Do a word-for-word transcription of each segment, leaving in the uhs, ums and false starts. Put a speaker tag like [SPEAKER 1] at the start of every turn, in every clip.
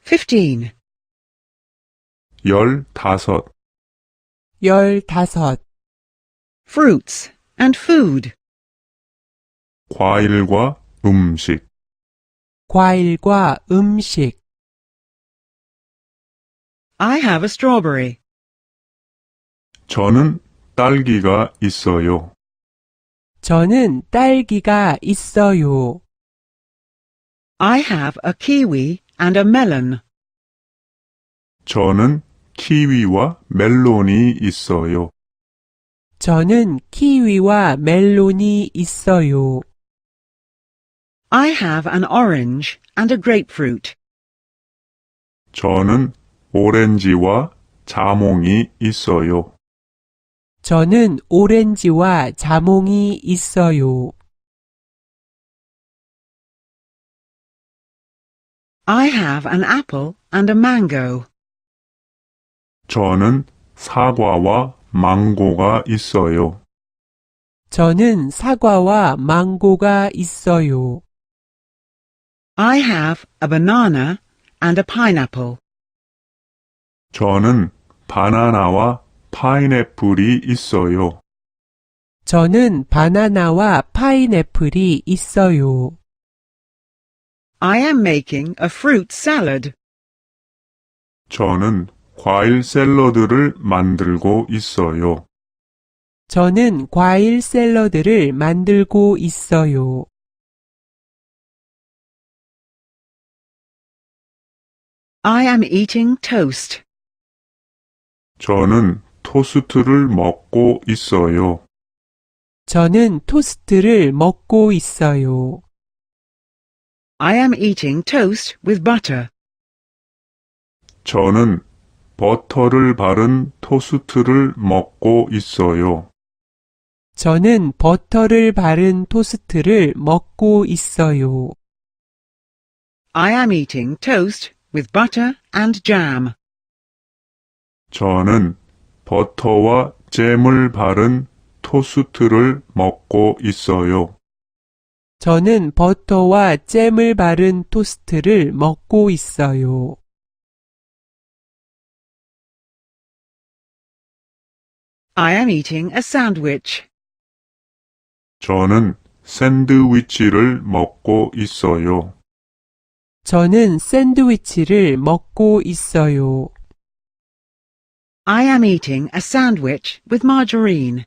[SPEAKER 1] fifteen.
[SPEAKER 2] 열다섯.
[SPEAKER 3] 열다섯.
[SPEAKER 1] Fruits and food.
[SPEAKER 2] 과일과 음식.
[SPEAKER 3] 과일과 음식.
[SPEAKER 1] I have a strawberry.
[SPEAKER 2] 저는 딸기가 있어요.
[SPEAKER 3] 저는 딸기가 있어요.
[SPEAKER 1] I have a kiwi and a melon.
[SPEAKER 2] 저는 키위와 멜론이 있어요.
[SPEAKER 3] 저는 키위와 멜론이 있어요.
[SPEAKER 1] I have an orange and a grapefruit.
[SPEAKER 2] 저는 오렌지와 자몽이 있어요.
[SPEAKER 3] 저는 오렌지와 자몽이 있어요.
[SPEAKER 1] I have an apple and a mango.
[SPEAKER 2] 저는 사과와 망고가 있어요.
[SPEAKER 3] 저는 사과와 망고가 있어요.
[SPEAKER 1] I have a banana and a pineapple.
[SPEAKER 2] 저는 바나나와 파인애플이 있어요.
[SPEAKER 3] 저는 바나나와 파인애플이 있어요.
[SPEAKER 1] I am making a fruit salad.
[SPEAKER 2] 저는 과일 샐러드를 만들고 있어요.
[SPEAKER 3] 저는 과일 샐러드를 만들고 있어요.
[SPEAKER 1] I am eating toast.
[SPEAKER 2] 저는 토스트를 먹고 있어요.
[SPEAKER 3] 저는 토스트를 먹고 있어요.
[SPEAKER 1] I am eating toast with butter.
[SPEAKER 2] 저는 버터를 바른 토스트를 먹고 있어요.
[SPEAKER 3] 저는 버터를 바른 토스트를 먹고 있어요.
[SPEAKER 1] I am eating toast with butter and jam.
[SPEAKER 2] 저는 버터와 잼을 바른 토스트를 먹고 있어요.
[SPEAKER 3] 저는 버터와 잼을 바른 토스트를 먹고 있어요.
[SPEAKER 1] I am eating a sandwich.
[SPEAKER 2] 저는 샌드위치를 먹고 있어요.
[SPEAKER 3] 저는 샌드위치를 먹고 있어요.
[SPEAKER 1] I am eating a sandwich with margarine.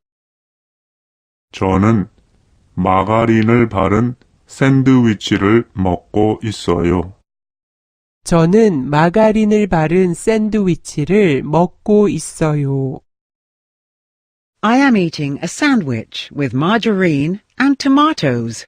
[SPEAKER 2] 저는 마가린을 바른 샌드위치를 먹고 있어요.
[SPEAKER 3] 저는 마가린을 바른 샌드위치를 먹고 있어요.
[SPEAKER 1] I am eating a sandwich with margarine and tomatoes.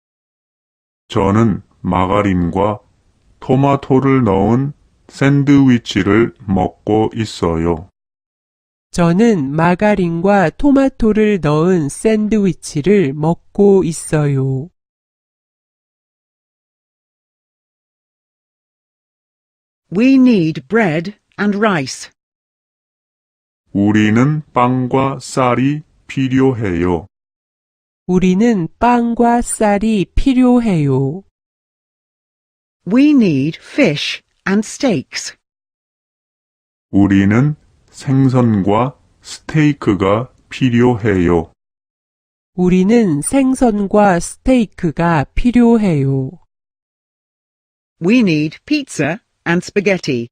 [SPEAKER 2] 저는 마가린과 토마토를 넣은 샌드위치를 먹고 있어요.
[SPEAKER 3] 저는 마가린과 토마토를 넣은 샌드위치를 먹고 있어요.
[SPEAKER 1] We need bread and rice.
[SPEAKER 2] 우리는 빵과 쌀이 필요해요.
[SPEAKER 3] 우리는 빵과 쌀이 필요해요.
[SPEAKER 1] We need fish and steaks.
[SPEAKER 2] 우리는 생선과 스테이크가 필요해요.
[SPEAKER 3] 우리는 생선과 스테이크가 필요해요.
[SPEAKER 1] We need pizza and spaghetti.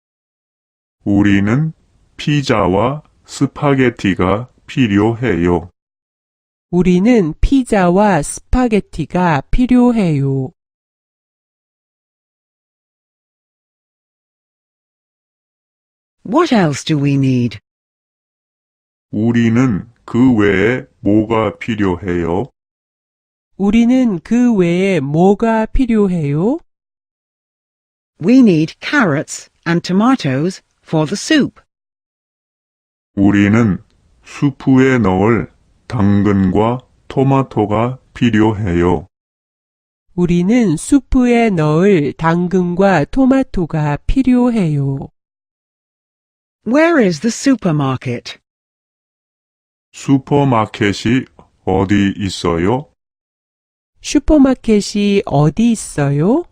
[SPEAKER 2] 우리는 피자와 스파게티가 필요해요.
[SPEAKER 3] 우리는 피자와 스파게티가 필요해요.
[SPEAKER 1] What else do we need?
[SPEAKER 2] 우리는 그 외에 뭐가 필요해요?
[SPEAKER 3] 우리는 그 외에 뭐가 필요해요?
[SPEAKER 1] We need carrots and tomatoes for the soup.
[SPEAKER 2] 우리는 수프에 넣을 당근과 토마토가 필요해요.
[SPEAKER 3] 우리는 수프에 넣을 당근과 토마토가 필요해요.
[SPEAKER 1] Where is the supermarket?
[SPEAKER 2] 슈퍼마켓이 어디 있어요?
[SPEAKER 3] 슈퍼마켓이 어디 있어요?